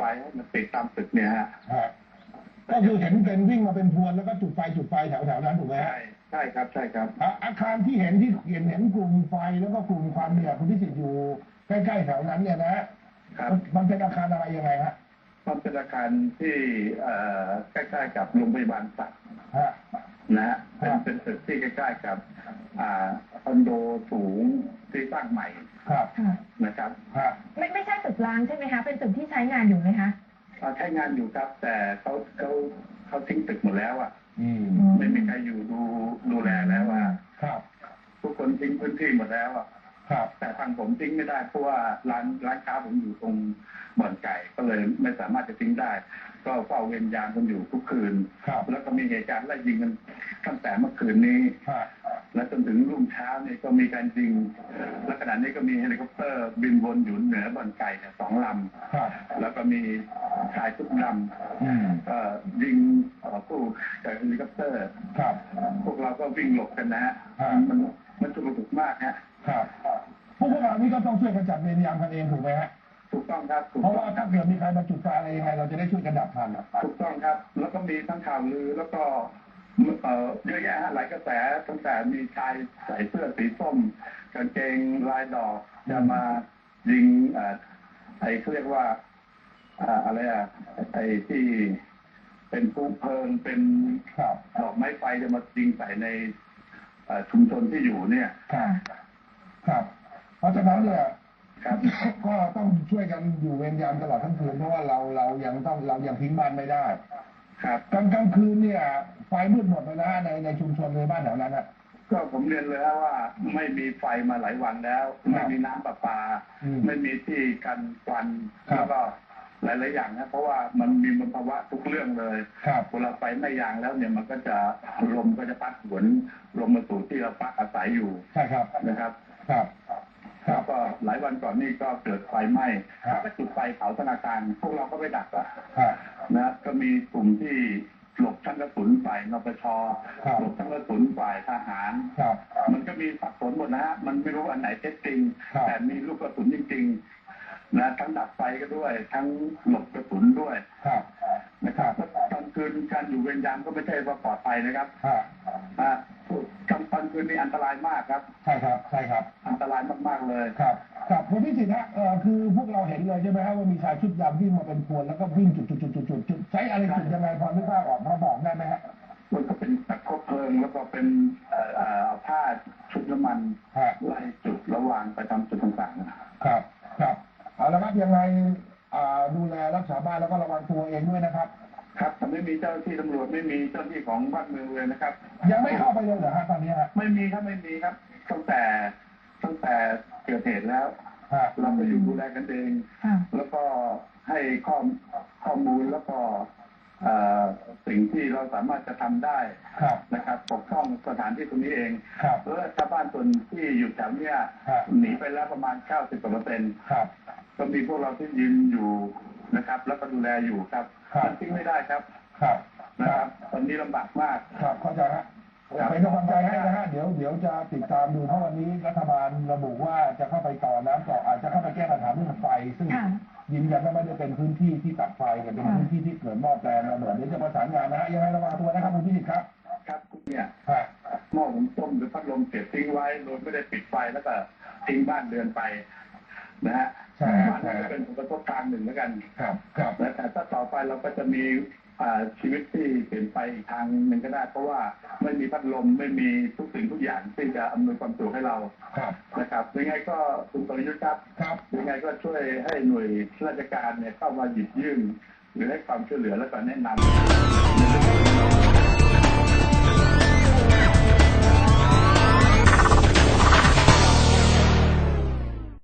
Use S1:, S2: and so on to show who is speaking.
S1: ให้มันติดตามตึกเนี่ยฮะ
S2: ก็คือเห็นเป็นวิ่งมาเป็นพวนแล้วก็จุดไฟแถวนั้นถูกไหม
S1: ใช่ครับใช่ครับ
S2: อาคารที่เห็นกลุ่มไฟแล้วก็กลุ่มควันเนี่ยคุณพิสิทธิ์อยู่ใกล้ๆแถวนั้นเนี่ยนะมันเป็นอาคารอะไรยังไงฮะ
S1: มันเป็นอาคารที่ใกล้ๆกับโรงพยาบาลสัตว์นะฮะเป็นตึกที่ใกล้ๆกับคอนโดสูงที่สร้างใหม่นะครับ
S3: ไม่ใช่ตึกร้างใช่ไหมคะเป็นตึกที่ใช้งานอยู่ไหมคะ
S1: ใช้งานอยู่ครับแต่เขาทิ้งตึกหมดแล้วอ่ะไม่มีใครอยู่ดูแลแล้วอ่ะทุกคนทิ้งพื้นที่หมดแล้วอ่ะแต่ทางผมทิ้งไม่ได้เพราะว่าร้านค้าผมอยู่ตรงบ่อนไก่ก็เลยไม่สามารถจะทิ้งได้ก็เฝ้าเวรยามกันอยู่ทุกคืนแล้วก็มีเหตุการณ์ไล่ยิงกันตั้งแต่เมื่อคืนนี้และจนถึงรุ่งเช้าเนี่ยก็มีการยิงและขณะนี้ก็มีเฮลิคอปเตอร์บินวนอยู่เหนือบ่อนไก่เนี่ย2 ลำแล้วก็มีชายชุดดำก็ยิงผู้จากเฮลิคอปเตอร์พวกเราก็วิ่งหลบกันนะฮะมันชุลมุนมากฮะ
S2: พวกเรานี่ก็ต้องช่วยกันจัดเวรยามกันเองถูกไหมฮะ
S1: ถูกต้องครับ
S2: เพราะว่าถ้าเกิดมีใครมาจุดไฟอะไรยังไงเราจะได้ช่วยกันดับทัน
S1: ถูกต้องครับแล้วก็มีทั้งข่าวลือแล้วก็เยอะแยะหลายกระแสตั้งแต่มีชายใส่เสื้อสีส้มกางเกงลายดอกจะมายิงเขาเรียกว่าอะไรไอ้ที่เป็นผู้เพลิงเป็นดอกไม้ไฟจะมายิงใส่ในชุมชนที่อยู่เนี่ย
S2: ครับเพราะฉะนั้นเนี่ยก็ต้องช่วยกันอยู่เวรยามตลอดทั้งคืนเพราะว่าเรายังทิ้งบ้านไม่ได้
S1: ครับ
S2: กลางคืนเนี่ยไฟมืดหมดเลยนะในชุมชนในบ้านแถวนั้นนะ
S1: ก็ผมเรียนเลยว่าไม่มีไฟมาหลายวันแล้วไม่มีน้ำประปาไม่มีที่กันควันแล้วก็หลายๆอย่างนะเพราะว่ามันมีมลภาวะทุกเรื่องเลยเวลาไฟไม่ยางแล้วเนี่ยมันก็จะลมก็จะพัดหวนลมมาสู่ที่เราพักอาศัยอยู่
S2: ใช่ครับ
S1: นะครับแล้วก็หลายวันก่อนนี่ก็เกิดไฟไหม้แล้วก็จุดไฟเผาธนาคารพวกเราก็ไปดับนะก็มีกลุ่มที่หลบทั้งกระสุนฝ่ายนปช.หลบทั้งกระสุนฝ่ายทหารมันก็มีสับสนหมดนะฮะมันไม่รู้อันไหนเท็จจริงแต่มีลูกกระสุนจริงๆนะทั้งดับไฟก็ด้วยทั้งหลบกระสุนด้วยนะครับตอนคืนการอยู่เวรยามก็ไม่ใช่ว่าปลอดภัยนะครับตอนคืนนี้อันตรายมากครับ
S2: ใช่ครับ
S1: อันตรายมากๆเลย
S2: ครับคุณพิสิทธิ์ฮะคือพวกเราเห็นเลยใช่ไหมครับว่ามีชายชุดดำวิ่งมาเป็นพวนแล้วก็วิ่งจุดใช้อะไรจุดยังไงพอนึกภาพออกพอบอกได้ไหมฮะ
S1: มันก็เป็นตะคบเพลิงแล้วก็เป็นผ้าชุดน้ำมันไล่จุดระหว่างไปทำจุดต่างๆ
S2: ครับเอาละครับยังไงดูแลรักษาบ้านแล้วก็ระวังตัวเองด้วยนะครับ
S1: ครับแต่ไม่มีเจ้าหน้าที่ตำรวจไม่มีเจ้าหน้าที่ของบ้านเมืองเลยนะครับ
S2: ยังไม่เข้าไปเลยเหรอฮะตอนนี้
S1: ไม่มีครับตั้งแต่เกิดเหตุแล้วเราไปอยู่ดูแลกันเองแล้วก็ให้ข้อมูลแล้วก็สิ่งที่เราสามารถจะทำได้นะครับปกป้องสถานที่ตรงนี้เองแล้วชาวบ้านส่วนที่อยู่แถวเนี้ยหนีไปแล้วประมาณ 90% ก็มีพวกเราที่ยืนอยู่นะครับแล้วก็ดูแลอยู่ครับมันทิ้งไม่ได้ครับนะครับตอนนี้ลำบากมาก
S2: ครับเข้าใจฮะเป็นกำลังใจให้นะฮะเดี๋ยวจะติดตามดูเพราะวันนี้รัฐบาลระบุว่าจะเข้าไปต่อน้ำต่ออาจจะเข้าไปแก้ปัญหาเรื่องไฟซึ่งยืนยันว่าไม่ได้เป็นพื้นที่ที่ตัดไฟแต่เป็นพื้นที่ที่เกิดหม้อแปลงระเบิดเดี๋ยวจะประสานงานนะฮะยังไงระวังตัวนะครับคุณพิสิทธิ์ครับ
S1: เนี่ยหม้อหุงต้มหรือพัดลมเก็บทิ้งไว้โดยไม่ได้ปิดไฟแล้วก็ทิ้งบ้านเรือนไปนะฮะมันก็เป็นผลกระทบทางหนึ่งแล้วกันแต่ถ้าต่อไปเราก็จะมีชีวิตที่เปลี่ยนไปอีกทางหนึ่งก็ได้เพราะว่าไม่มีพัดลมไม่มีทุกสิ่งทุกอย่างที่จะอำนวยความสะดวกให้เรานะครับยังไงก็คุณประยุทธ์ครับยังไงก็ช่วยให้หน่วยราชการเนี่ยเข้ามาหยิบยื่นหรือให้ความช่วยเหลือและก็แนะนำ